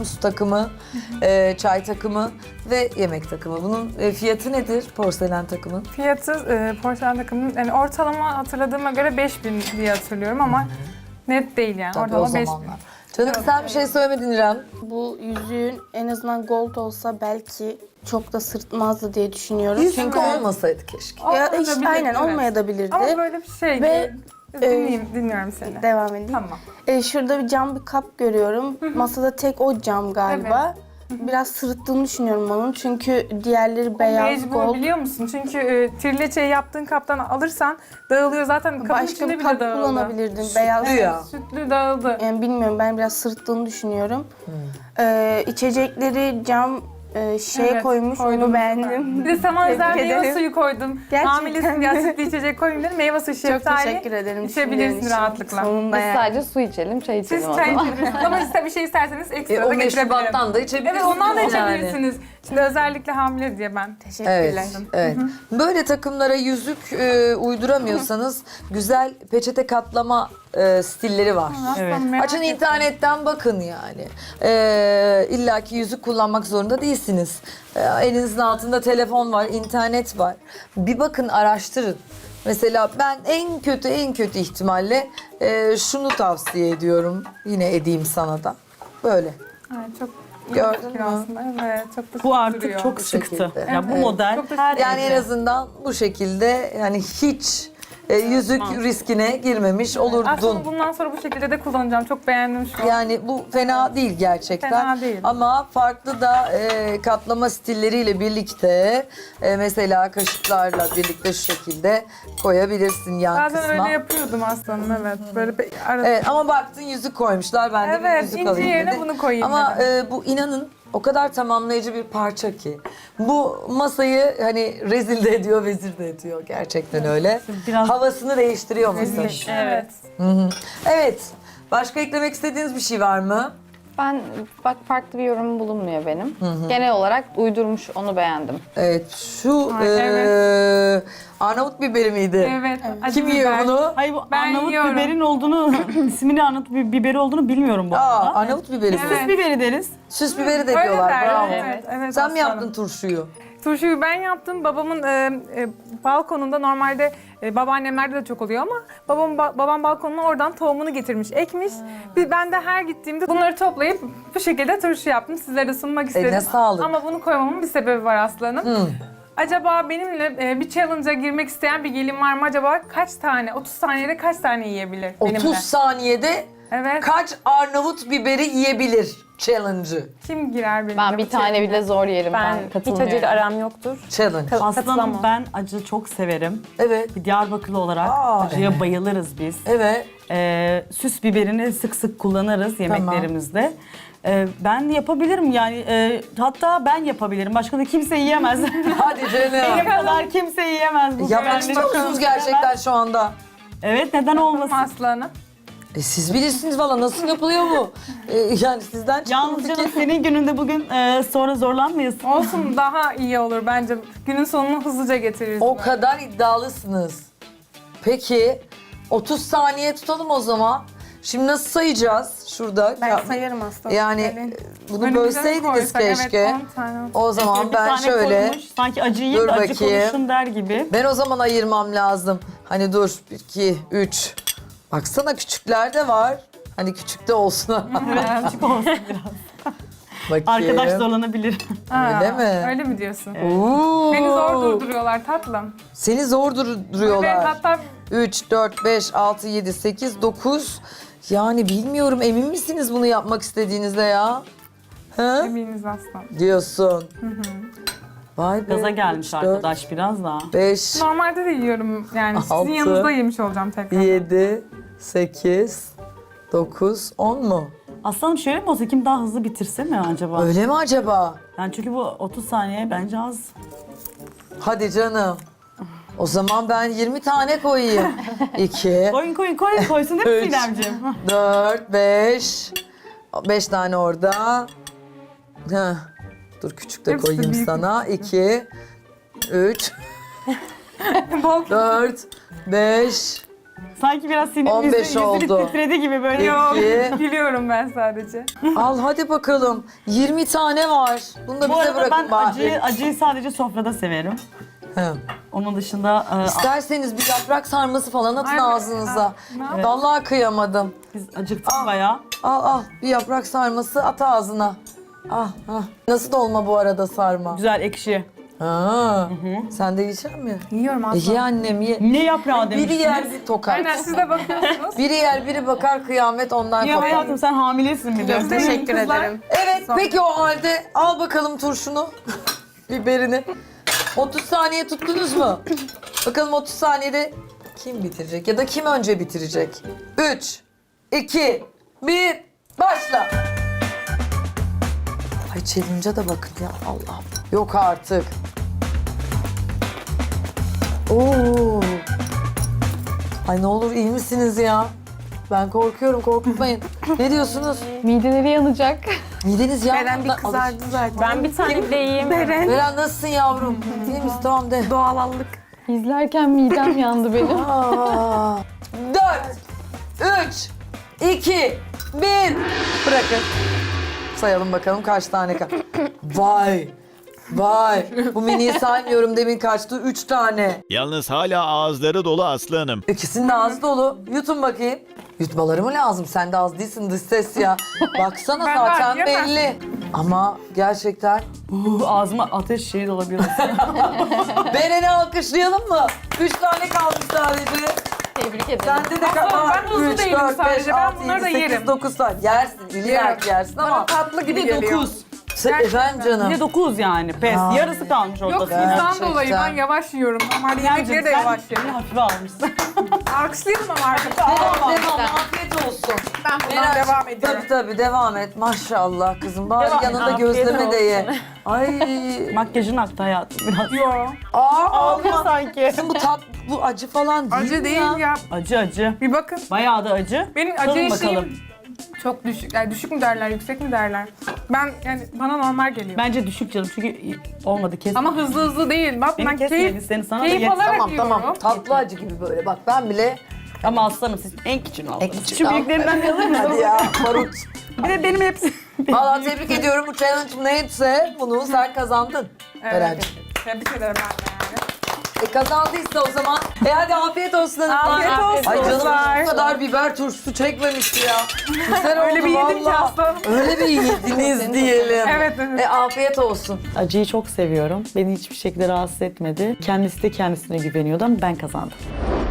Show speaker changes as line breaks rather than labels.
su takımı, çay takımı ve yemek takımı. Bunun fiyatı nedir porselen takımın?
Fiyatı porselen takımının yani ortalama hatırladığıma göre 5.000 diye hatırlıyorum ama net değil yani.
Tabii o
Ortalama 5.000.
zamanlar. Canım sen bir şey söylemedin İrem.
Bu yüzüğün en azından gold olsa belki çok da sırtmazdı diye düşünüyorum.
Yüzük olmasaydı keşke.
Ya
Olmayabilir,
işte aynen
evet.
olmayabilirdi.
Ama böyle bir şey.
Ve,
dinliyorum seni.
Devam edeyim.
Tamam.
Şurada bir cam bir kap görüyorum. Masada tek o cam galiba. Biraz sırıttığını düşünüyorum onun çünkü diğerleri beyaz,
Mecbur
gold.
biliyor musun? Çünkü trileçeyi yaptığın kaptan alırsan dağılıyor zaten. Kapın
Başka
içinde
bir
bile
kap
dağıldı.
kullanabilirdim. Beyaz.
Sütlü ya.
Sütlü dağıldı.
Yani bilmiyorum ben biraz sırıttığını düşünüyorum. İçecekleri cam
Evet,
koymuş
koydum.
onu beğendim.
Bir de sana özel
Tebrik
meyve
ederim.
suyu koydum.
Gerçekten
Hamilesin ya
mi?
sütlü içecek koyayım dedim. Meyve suyu
Çok
şeftali.
teşekkür ederim.
İçebilirsin
düşündüğün için.
rahatlıkla.
Sonunda
Biz
yani.
sadece su içelim, çay içelim
Siz
o
çay
zaman.
içebilirsiniz ama bir şey isterseniz ekstra da
O
getirebilirim.
meşrubattan da içebilirsiniz.
Evet ondan da
yani.
içebilirsiniz. Şimdi özellikle hamile diye ben.
Teşekkürler.
Evet, evet. Böyle takımlara yüzük uyduramıyorsanız güzel peçete katlama stilleri var.
Evet.
Açın internetten bakın yani. İlla ki yüzük kullanmak zorunda değilsiniz. Elinizin altında telefon var, internet var. Bir bakın, araştırın. Mesela ben en kötü ihtimalle şunu tavsiye ediyorum. Yine edeyim sana da. Böyle.
Evet, çok iyi
Gördün
fikir
mü?
aslında. Evet, çok da
Bu artık
duruyor.
çok
Bu
sıktı.
şekilde.
Ya bu
Evet.
model
Çok da
her
Yani en
evde.
azından bu şekilde yani hiç yüzük riskine girmemiş olurdun.
Aslında bundan sonra bu şekilde de kullanacağım. Çok beğendim şu an.
Yani bu fena değil gerçekten.
Fena değil.
Ama farklı da katlama stilleriyle birlikte mesela kaşıklarla birlikte şu şekilde koyabilirsin yan
Bazen
kısma.
öyle yapıyordum aslanım evet. Böyle arada.
Evet ama baktın yüzük koymuşlar. Ben de bir
Evet,
yüzük
inci
alayım
yerine
dedim.
bunu koyayım
Ama
dedim.
bu inanın o kadar tamamlayıcı bir parça ki. Bu masayı hani rezil de ediyor, vezir de ediyor. Gerçekten öyle.
Biraz-
Havasını değiştiriyor masanın.
Evet.
Evet. Başka eklemek istediğiniz bir şey var mı?
Ben bak farklı bir yorum bulunmuyor benim. Genel olarak uydurmuş, onu beğendim.
Evet. Şu
Ay, evet.
Arnavut biberi miydi?
Evet. acı
Kim yiyor
biber.
bunu?
Hayır bu
Ben
Arnavut
yiyorum.
biberin olduğunu, ismini Arnavut biberi olduğunu bilmiyorum bu
Aa,
arada.
Arnavut biberi.
Evet.
Süs biberi deriz.
Süs biberi de
Öyle
diyorlar.
der,
Bravo.
evet, evet
Sen mi
aslanım.
yaptın turşuyu?
Turşuyu ben yaptım. Babamın balkonunda normalde babaannemlerde de çok oluyor ama babam balkonuna oradan tohumunu getirmiş, ekmiş. Ben de her gittiğimde bunları toplayıp bu şekilde turşu yaptım. Sizlere de sunmak istedim.
Eline sağlık.
Ama bunu koymamın bir sebebi var aslanım. Acaba benimle bir challenge'a girmek isteyen bir gelin var mı? Acaba kaç tane, 30 saniyede kaç tane yiyebilir
30
benimle?
saniyede
Evet.
kaç Arnavut biberi yiyebilir challenge'ı?
Kim girer benimle?
Ben bir tane bile zor yerim. Ben
Hiç
katılmıyorum.
acıyla aram yoktur.
Challenge.
Aslanım
Katılamam.
ben acı çok severim.
Evet.
Bir Diyarbakırlı olarak
Aa,
acıya bayılırız biz.
Evet.
Süs biberini sık sık kullanırız yemeklerimizde. Ben yapabilirim yani hatta ben yapabilirim. Başka da kimse yiyemez.
Hadi
Benim
canım.
kadar kimse yiyemez bu
Yapmak
biberleri.
istiyor musunuz gerçekten şu anda?
Evet neden olmasın?
Aslanım.
Siz bilirsiniz valla nasıl yapılıyor bu? Yani sizden çıkan
Yalnız canım
fikir.
senin gününde bugün sonra zorlanmayasın.
Olsun daha iyi olur bence. Günün sonunu hızlıca getiririz.
O kadar iddialısınız. Peki 30 saniye tutalım o zaman. Şimdi nasıl sayacağız şurada?
Ben
Ya-
sayarım aslında.
Yani bunu
Önümüze
bölseydiniz
koysak,
keşke.
Evet, 10 tane.
O zaman
Bir
ben
tane
şöyle,
koymuş, sanki acı
Dur
yiyin de acı
bakayım.
konuşun der gibi.
ben o zaman ayırmam lazım. Hani dur, 1, 2, 3. Baksana küçükler de var. Hani küçükte olsun.
Evet küçük olsun biraz.
Bakayım.
Arkadaş zorlanabilir.
Öyle mi?
Öyle mi diyorsun?
Oo.
Beni zor durduruyorlar tatlım.
Seni zor
Evet,
duruyorlar.
hatta
3, 4, 5, 6, 7, 8, 9. Yani bilmiyorum, emin misiniz bunu yapmak istediğinizde ya? Hı?
eminiz aslan.
Diyorsun. Vay be.
Gaza gelmiş arkadaş biraz daha.
5,
Normalde de yiyorum yani
Altı.
sizin yanınızda yemiş olacağım tekrar.
7, 8, 9, 10 mu?
Aslanım şöyle mi olsa kim daha hızlı bitirse mi acaba?
Öyle mi acaba?
Yani çünkü bu 30 saniye bence az.
Hadi canım. O zaman ben 20 tane koyayım. 2,
Koyun koysun değil mi
Üç.
Sinemciğim?
4, 5. 5 tane orada. Heh. Dur küçük de
Hepsi
koyayım
büyük.
sana. 2, 3,
Bol
4, 5,
Sanki biraz sinirli
15
yüzü
oldu.
titredi gibi böyle.
Yok,
İki.
gülüyorum ben sadece.
Al hadi bakalım. 20 tane var. Bunu da
Bu
bize
arada
bırakın
ben
bari.
acıyı sadece sofrada severim.
He.
Onun dışında
İsterseniz bir yaprak sarması falan atın
Ay,
ağzınıza.
ne yapayım?
Vallahi kıyamadım.
biz acıktık bayağı.
Al bir yaprak sarması at ağzına. Ah. Nasıl dolma bu arada sarma?
Güzel ekşi.
Ha. Sen de yiyecek misin?
Yiyorum
Ye
aslında.
annem ye.
Ne yaprağı
Biri
demiştiniz?
yer bir tokar.
Aynen siz de bakıyorsunuz.
Biri yer biri bakar kıyamet ondan
Ya
kopar.
hayatım sen hamilesin bir de.
Teşekkür
Kızlar.
ederim.
Evet peki o halde al bakalım turşunu. Biberini. 30 saniye tuttunuz mu? Bakalım 30 saniyede kim bitirecek ya da kim önce bitirecek? 3, 2, 1, başla. Ay challenge'a da bakın ya Allah'ım. Yok artık. Oo. Ay ne olur iyi misiniz ya? Ben korkuyorum korkutmayın. Ne diyorsunuz?
Mideleri yanacak.
Mideniz ya.
Beren bir kızardı zaten.
Ben bir tane de yiyeyim.
Beren.
Beren nasılsın yavrum? İyi misin? Tamam de.
Doğalallık.
İzlerken midem yandı benim.
4, 3, 2, 1. Bırakın. Sayalım bakalım kaç tane kaldı. Vay. Bu miniyi saymıyorum demin kaçtı? 3 tane.
Yalnız hala ağızları dolu Aslı Hanım.
İkisinin de ağzı dolu. Yutun bakayım. Yutmaları mı lazım? Sen de az değilsin dış ses ya. Baksana
Ben
zaten
var, yemem.
belli. Ama gerçekten.
Ağzıma ateş şeyi de olabilir.
Beren'i alkışlayalım mı? 3 tane kalmış sadece.
Tebrik ederim.
Sende de
Aslında ben hızlı değilim sadece. Ben bunları da
8,
yerim.
9 tane. Yersin, illa
Yerim.
yersin
Bana
ama.
tatlı gibi
Bir de
geliyor.
9.
Efendim canım.
Bir de 9 yani. Pes.
Ya.
Yarısı kalmış ortada.
Yok sizden
Gerçekten.
dolayı ben yavaş yiyorum. Normalde yemekleri de yavaş
Beni
yerim.
hafife almışsın.
Alkışlayalım ama arkadaşlar.
Devam, afiyet olsun.
Ben buradan devam ediyorum.
Tabii devam et. Maşallah kızım. Bari
Devam et,
yanında
afiyet
gözleme de ye.
olsun.
Ay.
Makyajın aktı hayatım biraz.
Yo.
Ağlıyor
sanki.
Kızım bu acı falan değil
Acı
mi
değil
ya?
ya.
Acı.
Bir bakın.
Bayağı da acı.
Benim
Tadın
acı
bakalım.
eşiğim çok düşük. Yani düşük mü derler, yüksek mi derler? Ben yani bana normal geliyor.
Bence düşük canım çünkü olmadı kesin.
Ama hızlı değil. Bak
Beni
ben
kesmeyelim,
keyif,
seni sana da
keyif
yet-
alarak
Tamam
yiyorum.
Tatlı acı gibi böyle. Bak ben bile
Ama aslanım siz en küçüğünü aldınız.
küçük
Şu
al.
büyüklerinden bir alır mısınız?
hadi ya barut.
Bir de benim hepsi.
Valla tebrik ediyorum. Bu challenge neyse bunu sen kazandın. Berenciğim.
Tebrik ederim ben de yani.
Kazandıysa o zaman. Hadi afiyet olsun.
Afiyet olsun.
Ay canım
Kızlar.
bu kadar biber turşusu çekmemişti ya. Güzel oldu
Öyle bir yedim ki
vallahi.
aslanım.
Öyle bir yediniz diyelim.
Evet.
Afiyet olsun.
Acıyı çok seviyorum. Beni hiçbir şekilde rahatsız etmedi. Kendisi de kendisine güveniyordu ama ben kazandım.